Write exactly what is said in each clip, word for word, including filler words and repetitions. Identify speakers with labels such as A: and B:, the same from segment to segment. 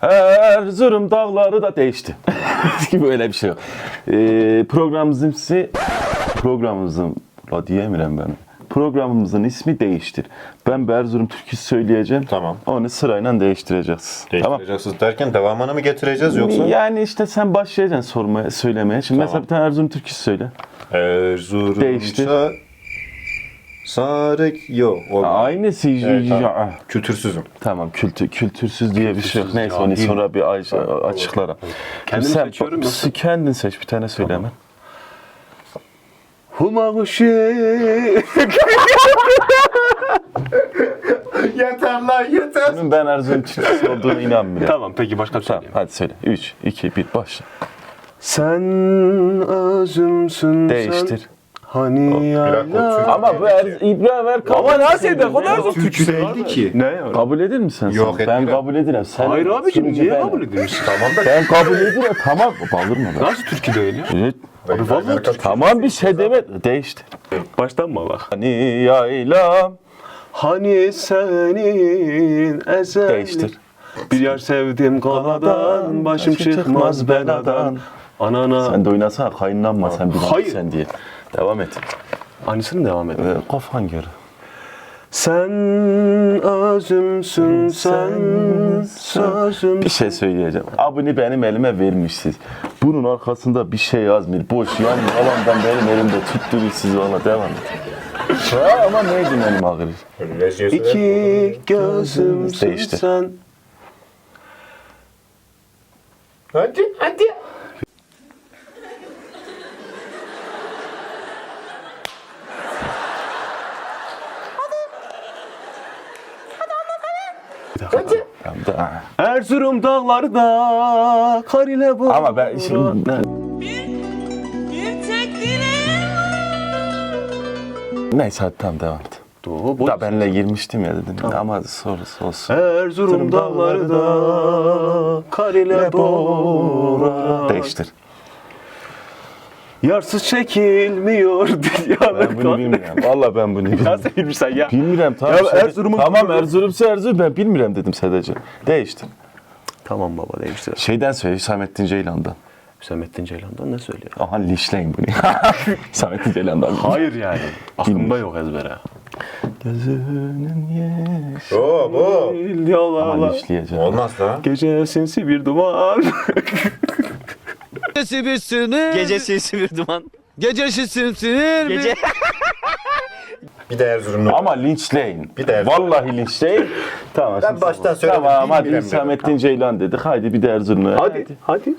A: Erzurum dağları da değişti. Böyle bir şey yok. Ee, programımızın ismi, programımızın, la diyemiyorum ben. Programımızın ismi değiştir. Ben bir Erzurum türküsü söyleyeceğim.
B: Tamam.
A: Onu sırayla değiştireceğiz.
B: Değiştireceksiniz derken devamını mı getireceğiz
A: Tamam.
B: yoksa?
A: Yani işte sen başlayacaksın sormaya, söylemeye. Şimdi
B: Tamam.
A: mesela bir tane Erzurum türküsü söyle.
B: Erzurum
A: Değiştir.
B: ça- Sarık yok. olmaz.
A: Aynısı.
B: Evet, tamam.
A: Ya-
B: Kültürsüzüm.
A: Tamam, kültür, kültürsüz diye bir şey yok.
C: Kültürsüz,
A: Neyse onu
C: cahil.
A: sonra bir ay, açıklarım.
C: Kendim
A: Sen
C: seçiyorum yoksa?
A: kendin seç, bir tane söyle hemen.
C: Huma kuşu.
B: Yeter lan yeter.
A: Bunun ben Erzurum türküsü olduğunu inanmıyorum.
C: Tamam peki başka bir şey
A: Tamam,
C: söyleyeyim.
A: hadi söyle. üç, iki, bir, başla.
C: Sen özümsün
A: Değiştir.
C: sen. Hani
B: bir dakika, o
C: yayla.
B: Türk-
A: Ama bu er, İbrahim Erkan...
C: Ama nasıl ne kadar
A: Ne?
C: zor türkü değildi ki. Ne?
A: Kabul eder misin sen?
B: Yok,
A: Ben
B: etmiyorum.
A: kabul ederim. Sen
C: Hayır abicim
A: sunucu
C: niye
A: benim.
C: kabul ediyorsun?
B: Tamam da
A: Ben kabul ederim. Tamam. Bağırma be.
C: Nasıl türkü değil ya?
A: Evet.
B: Abi
C: vallahi
A: Tamam bir şey deme. Değişti.
C: Baştan mı bak?
A: Hani yaylam.
C: Hani senin ezel.
A: Değiştir.
C: Bir yer sevdim kaladan, başım çıkmaz beladan. Anana.
A: Sen de oynasana. Kayınlanma sen bir
C: Hayır.
A: sen diye. Devam et.
C: Aynısını devam edelim.
A: Ee, kafan göre.
C: Sen özümsün sen, sözüm.
A: Bir şey söyleyeceğim. Abini benim elime vermişsiniz. Bunun arkasında bir şey yazmıyor. Boş yan yalandan benim elimde tutturuyor siz valla devam et. Ha, ama neydi benim ağrı?
C: İki gözümsün
A: Değiştir.
C: sen.
B: Hadi hadi.
A: Tamam, da-
C: Erzurum dağlarda kar ile bu.
A: Ama ben şimdi...
D: Bir tek dileğim
A: Neyse hadi tamam devam et.
C: Doğu, bu-
A: Da benle girmiştim ya dedim. Ama sorusu olsun.
C: Erzurum dağlarda kar ile bora.
A: Değiştir.
C: Yarsız çekilmiyor dünyanın
A: Ben bunu bilmiyorum. Valla ben bunu bilmiyorum.
C: Nasıl bilmişsen ya?
A: Bilmiyorum tamam.
C: Ya
A: Sadece-
C: Erzurum'un-
A: Tamam Erzurum'sa Erzurum ben bilmiyorum dedim sadece. Değiştir.
C: Tamam baba değiştir.
A: Şeyden söyle Hüsamettin Ceylan'dan.
C: Hüsamettin Ceylan'dan ne söylüyor?
A: Aha lişleyin bunu. Hüsamettin Ceylan'dan.
C: Hayır yani. Aklımda yok ezbere.
A: Gözünün yaşı.
B: Oo bu.
C: Yola
A: Ama lişleyeceğim.
B: Olmaz da.
C: Gece sinsi bir duman.
E: Gecesi bir sinir.
F: Gece sinsi bir duman.
E: Gecesi sinir.
F: Gece.
B: Bir de Erzurumlu.
A: Ama linçleyin.
B: Bir de Erzurum.
A: Vallahi linçleyin. Tamam.
B: Ben
A: şimdi-
B: baştan söyledim,
A: Tamam hadi
B: bilmiyorum
A: Hüsamettin Ceylan dedik. Haydi bir de Erzurum'u.
C: hadi hadi.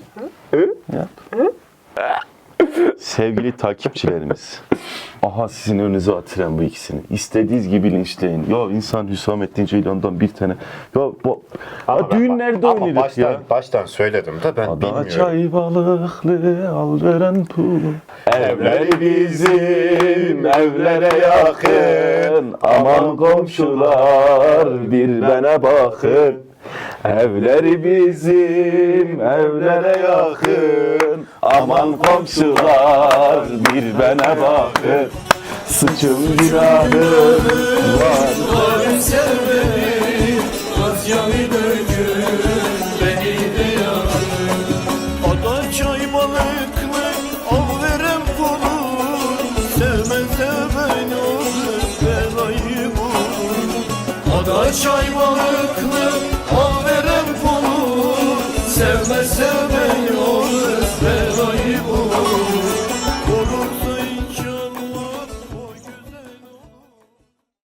A: Sevgili takipçilerimiz. Aha sizin önünüze atıran bu ikisini. İstediğiniz gibi linçleyin. Ya insan Hüsamettin Ceylan'dan bir tane. Ya bu ya düğünlerde
B: Ama
A: oynarız
B: baştan,
A: ya.
B: baştan söyledim de ben
A: Ada
B: bilmiyorum.
A: çay balıklı al veren pul. Evleri bizim evlere yakın. Aman komşular bir bana bakın. Evleri bizim evlere yakın. Aman komşular bir bana bakın. Sıçım günahım var.
G: Ada çay balıklı al verem kulu. Sevme sevme olur belayı bulur. Ada çay balıklı al verem kulu. Sevme sevme